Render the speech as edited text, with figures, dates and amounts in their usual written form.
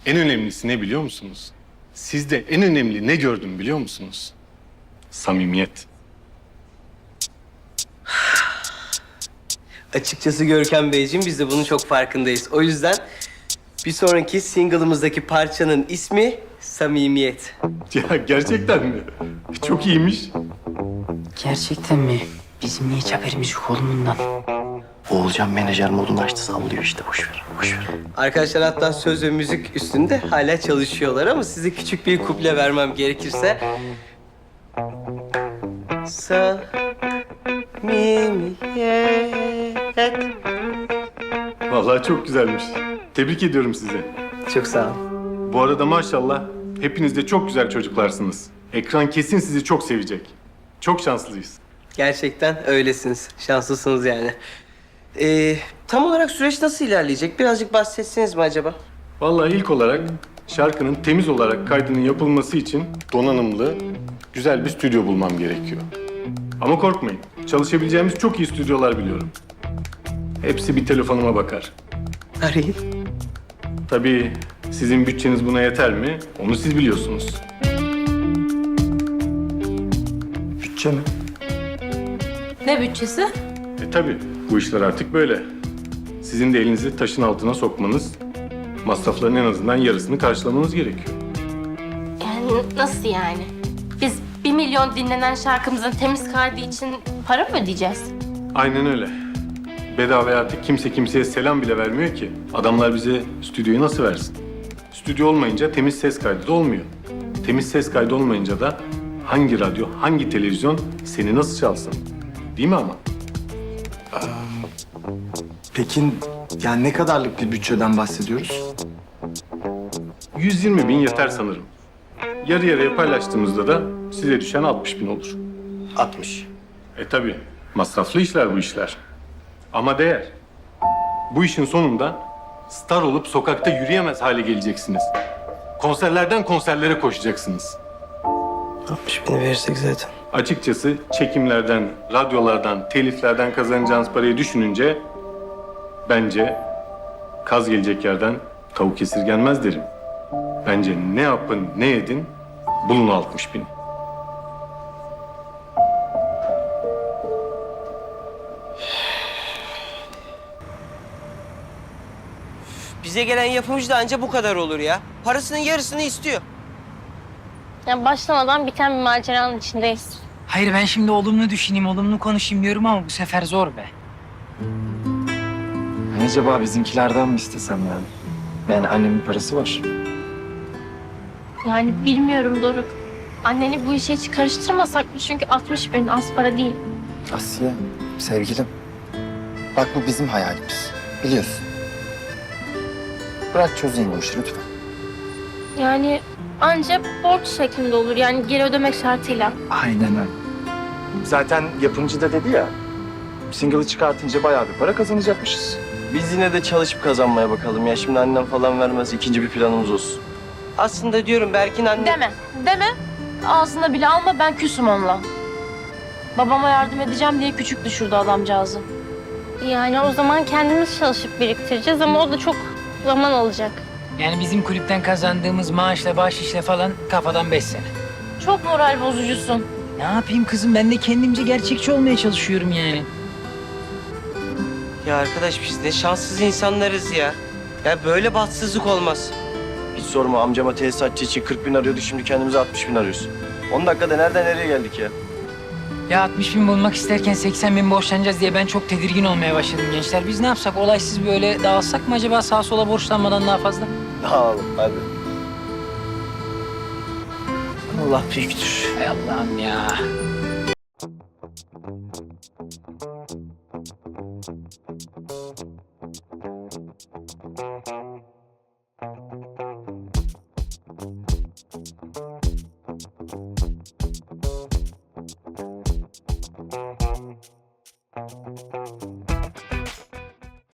En önemlisi ne biliyor musunuz? Sizde en önemli ne gördüm biliyor musunuz? Samimiyet. Açıkçası Görkem Beyciğim biz de bunun çok farkındayız. O yüzden bir sonraki single'ımızdaki parçanın ismi Samimiyet. Ya gerçekten mi? Çok iyiymiş. Gerçekten mi? Bizim niye hiç haberimiz yok oğlum bundan? Oğulcan menajer modunu açtı, sallıyor işte. Boş ver, boş ver. Arkadaşlar hatta söz ve müzik üstünde hala çalışıyorlar ama size küçük bir kuple vermem gerekirse... Samimiyet. Vallahi çok güzelmiş. Tebrik ediyorum sizi. Çok sağ ol. Bu arada maşallah hepiniz de çok güzel çocuklarsınız. Ekran kesin sizi çok sevecek. Çok şanslıyız. Gerçekten öylesiniz. Şanslısınız yani. Tam olarak süreç nasıl ilerleyecek? Birazcık bahsetseniz mi acaba? Vallahi ilk olarak şarkının temiz olarak kaydının yapılması için donanımlı, güzel bir stüdyo bulmam gerekiyor. Ama korkmayın, çalışabileceğimiz çok iyi stüdyolar biliyorum. Hepsi bir telefonuma bakar. Arayın. Tabii sizin bütçeniz buna yeter mi? Onu siz biliyorsunuz. Bütçe mi? Ne bütçesi? Tabii bu işler artık böyle. Sizin de elinizi taşın altına sokmanız, masrafların en azından yarısını karşılamanız gerekiyor. Yani nasıl yani? Biz 1 milyon dinlenen şarkımızın temiz kaydı için para mı ödeyeceğiz? Aynen öyle. Bedavaya artık kimse kimseye selam bile vermiyor ki. Adamlar bize stüdyoyu nasıl versin? Stüdyo olmayınca temiz ses kaydı da olmuyor. Temiz ses kaydı olmayınca da hangi radyo, hangi televizyon seni nasıl çalsın? Değil mi ama? Peki yani ne kadarlık bir bütçeden bahsediyoruz? 120 bin yeter sanırım. Yarı yarıya paylaştığımızda da size düşen 60 bin olur. 60. Tabii masraflı işler bu işler. Ama değer. Bu işin sonunda star olup sokakta yürüyemez hale geleceksiniz. Konserlerden konserlere koşacaksınız. 60 bini verirsek zaten. Açıkçası çekimlerden, radyolardan, teliflerden kazanacağınız parayı düşününce bence kaz gelecek yerden tavuk esirgenmez derim. Bence ne yapın ne edin bulun 60 bin. Bize gelen yapımcı da anca bu kadar olur ya. Parasının yarısını istiyor. Yani başlamadan biten bir maceranın içindeyiz. Hayır ben şimdi olumlu düşüneyim, olumlu konuşayım diyorum ama bu sefer zor be. Acaba bizimkilerden mi istesem yani? Yani annemin parası var. Yani bilmiyorum Doruk. Anneni bu işe hiç karıştırmasak mı? Çünkü 60 bin az para değil. Asiye, sevgilim. Bak bu bizim hayalimiz. Biliyorsun. Bırak çözeyim bu işi lütfen. Yani ancak borç şeklinde olur. Yani geri ödemek şartıyla. Aynen öyle. Zaten yapımcı da dedi ya, single'ı çıkartınca bayağı bir para kazanacakmışız. Biz yine de çalışıp kazanmaya bakalım ya. Şimdi annem falan vermez. İkinci bir planımız olsun. Aslında diyorum Berk'in anne... Deme. Ağzına bile alma, ben küsüm onunla. Babama yardım edeceğim diye küçük düşürdü adamcağızı. Yani o zaman kendimiz çalışıp biriktireceğiz ama o da çok zaman alacak. Yani bizim kulüpten kazandığımız maaşla, bahşişle falan kafadan 5 sene. Çok moral bozucusun. Ne yapayım kızım, ben de kendimce gerçekçi olmaya çalışıyorum yani. Ya arkadaş biz ne şanssız insanlarız ya. Ya böyle bahtsızlık olmaz. Hiç sorma amcama tesisatçı için 40 bin arıyorduk şimdi kendimize 60 bin arıyoruz. 10 dakikada nereden nereye geldik ya? Ya 60 bin bulmak isterken 80 bin borçlanacağız diye ben çok tedirgin olmaya başladım gençler. Biz ne yapsak, olaysız böyle dağılsak mı acaba sağa sola borçlanmadan daha fazla? Dağılın hadi. Allah büyüktür. Hay Allah'ım ya.